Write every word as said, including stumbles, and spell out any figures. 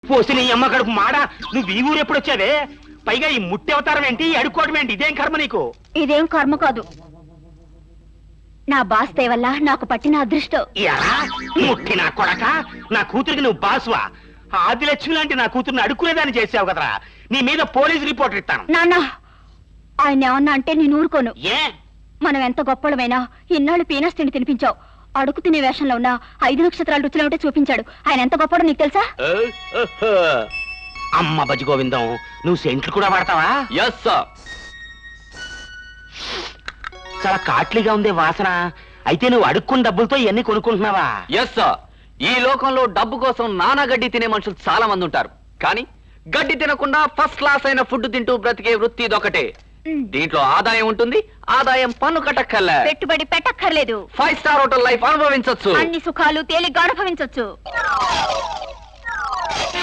పోసి నీ అమ్మ కడుపు మాడ నువ్వు ఈ ఊరు ఎప్పుడు వచ్చావే? పైగా ఈ ముట్టి అవతారం ఏంటి, అడుక్కోవడం ఏంటి? ఇదేం కర్మ నీకు? ఇదేం కర్మ కాదు, నా బాస్ దయ వల్ల నాకు పట్టిన అదృష్టం. ఎలా ముట్టి నా కొడక? నా కూతురికి నువ్వు బాసువా? ఆదిలక్ష్మి లాంటి నా కూతుర్ని అడుక్కునేదాన్ని చేసావు కదరా. నీ మీద పోలీస్ రిపోర్ట్ ఇస్తాను. నాన్న, ఆయన ఏమన్నా అంటే నేను ఊరుకోను. ఏ మనం ఎంత గొప్పలమైనా ఇన్నాళ్ళు పీనస్ తిండి తినిపించావు. అడుగు తినే వేషంలో ఉన్న ఐదు నక్షత్రాలు రుచిలో ఉంటే చూపించాడు. ఆయన ఎంత గొప్పడో నీకు తెలుసా? అమ్మ బజ్జి గోవిందం, నువ్వు సెంట్లు కూడా వాడతావా? Yes sir. చాలా కాట్లీగా ఉందే వాసన. అయితే నువ్వు అడుక్కున్న డబ్బులతో ఇవన్నీ కొనుక్కుంటున్నావా? Yes sir. ఈ లోకంలో డబ్బు కోసం నానా గడ్డి తినే మనుషులు చాలా మంది ఉంటారు, కానీ గడ్డి తినకుండా ఫస్ట్ క్లాస్ అయిన ఫుడ్ తింటూ బ్రతికే వృత్తి ఇదొకటే. దీంట్లో ఆదాయం ఉంటుంది, ఆదాయం పన్ను కట్టక్కర్లే, పెట్టుబడి పెట్టక్కర్లేదు, ఫైవ్ స్టార్ హోటల్ లైఫ్ అనుభవించొచ్చు, అన్ని సుఖాలు తేలిగ్గా అనుభవించొచ్చు.